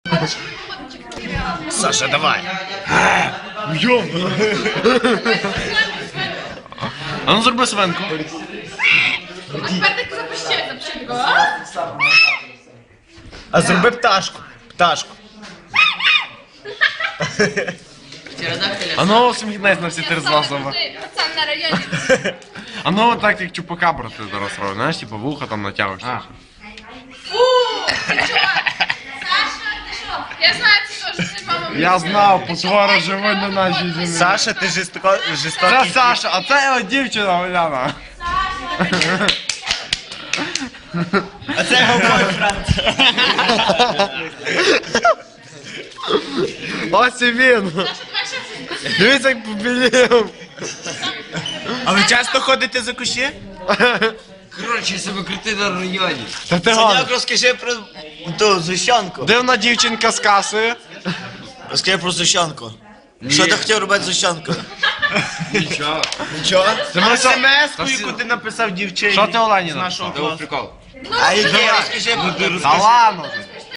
Саша, давай. А ну зроби свинку. А тепер так запиши такого. А зроби пташку. Пташку. А ну сміхнись на всі три злазова. Пацан на районі. А ну так як чупакабра ти зараз робиш, знаєш, типу вуха там натягуєшся. Фу! Ти чого? Саша, ти що? Я знаю, це теж ти, мама. Я знав, потвора живе на нашій землі. Саша, ти Це жорстокий. Саша, а це його дівчина Оляна. А це його бойфренд. Ось і він. Саша, давай ще щось. Дивіться, як побілів. А ви часто ходите за кущі? Коротше, себе крути на районі. Та ти Саняк, гад. розкажи про ту зущенку. Дивна дівчинка з касою. Розкажи про зущенку. Що ти хотів робити з зущенкою? Нічого. Нічого? Ти мене що- СМС-ку, яку ти написав дівчині. Що ти Олені з нашого написав? класу. Прикол. А який розкажи про Та ладно.